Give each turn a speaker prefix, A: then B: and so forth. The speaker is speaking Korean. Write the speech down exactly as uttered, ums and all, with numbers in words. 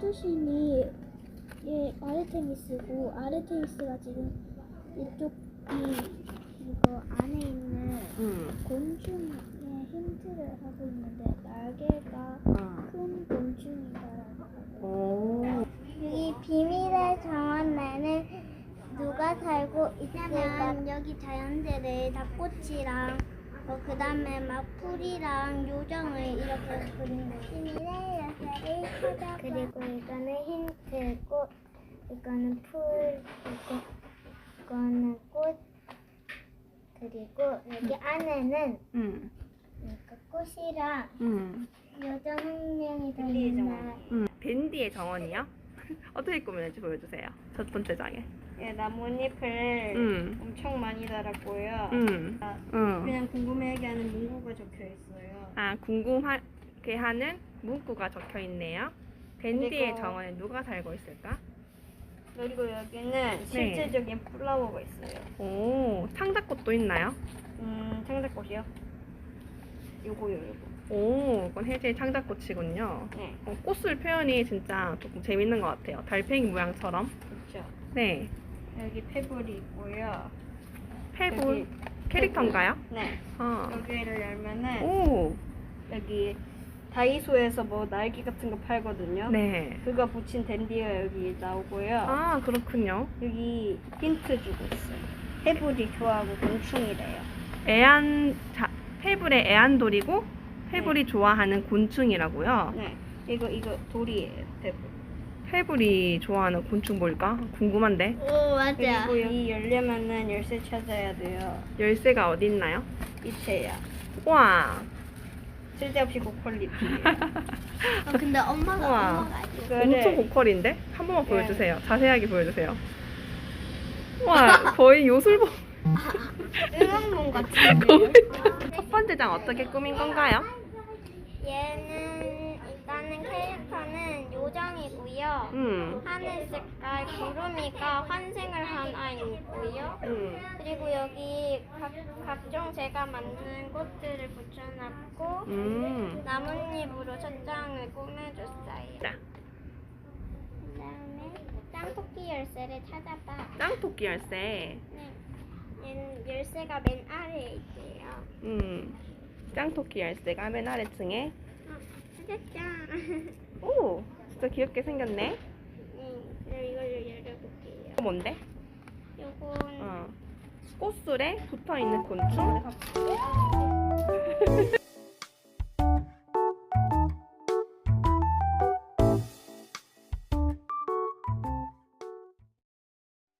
A: 투신이 얘 아르테미스고 아르테미스가 지금 이쪽 이 이거 안에 있는
B: 음.
A: 곤충의 힌트를 하고 있는데 날개가
B: 어.
A: 큰 곤충이다라고 하고
B: 오.
A: 여기 비밀의 정원 내는 누가 살고 있으면 여기 자연재래 닭꼬치랑 어, 그 다음에 막 풀이랑 요정을 이렇게 그린 거예요. 비밀의 열쇠를 찾아. 그리고 이거는 힌트고 이거는 풀이고 이거는 꽃 그리고 여기 안에는
B: 음.
A: 그러니까 꽃이랑
B: 음.
A: 요정 한 명이 들어있나.
B: 음. 밴디의 정원이요? 어떻게 꾸몄는지 보여주세요. 첫 번째 장에.
C: 예, 나뭇잎을
B: 음.
C: 엄청 많이 달았고요.
B: 음.
C: 아,
B: 음.
C: 그냥 궁금해하게 하는 문구가 적혀 있어요.
B: 아, 궁금하게 하는 문구가 적혀 있네요. 밴디의
C: 그리고-
B: 정원에 누가 살고 있을까?
C: 그리고 여기는 실제적인 플라워가 있어요.
B: 오, 창작꽃도 있나요?
C: 음, 창작꽃이요? 요거요, 요거.
B: 오, 이건 혜지의 창작꽃이군요.
C: 네,
B: 어, 꽃을 표현이 진짜 조금 재밌는 것 같아요. 달팽이 모양처럼.
C: 그렇죠.
B: 네.
C: 여기 페블이 있고요.
B: 페볼
C: 여기
B: 캐릭터인가요?
C: 네,
B: 아.
C: 여기를 열면은
B: 오.
C: 여기 다이소에서 뭐 날개 같은 거 팔거든요.
B: 네.
C: 그거 붙인 댄디가 여기 나오고요.
B: 아, 그렇군요.
C: 여기 힌트 주고 있어요. 페블이 좋아하고 곤충이래요.
B: 애안 자, 페블의 애완돌이고 페블이 좋아하는 곤충이라고요.
C: 네, 이거 이거 돌이에요, 페블.
B: 페블이 좋아하는 곤충 뭘까? 궁금한데.
A: 오 맞아.
C: 그리고 이 열려면은 열쇠 찾아야 돼요.
B: 열쇠가 어디 있나요?
C: 이체야.
B: 와.
C: 쓸데없이 고퀄리티예요.
A: 어, 근데 엄마가
B: 우와.
A: 엄마가 알죠.
C: 그거를
B: 엄청 고퀄인데? 한 번만
C: 네.
B: 보여주세요. 자세하게 보여주세요. 와, 거의 요술봉.
A: 응원봉 같은데.
B: 첫 번째 장 어떻게 꾸민 건가요?
A: 얘는 일단은 캐릭터는 요정이고요.
B: 음.
A: 하늘 색깔 구름이가 환생을 한 아이고요.
B: 음.
A: 그리고 여기 각, 각종 제가 만든 꽃들을 붙여놨고
B: 음.
A: 나뭇잎으로 첫 장을 꾸며줬어요.
B: 자,
A: 그다음에 짱토끼 열쇠를 찾아봐.
B: 짱토끼 열쇠.
A: 네. 얘는 열쇠가 맨 아래에 있대요.
B: 음. 짱토끼 열쇠가 맨 아래층에.
A: 어, 짜잔.
B: 오, 진짜 귀엽게 생겼네.
A: 네, 그럼 이걸 열어볼게요.
B: 이거 뭔데?
A: 요건
B: 어. 꽃술에 붙어 있는 곤충.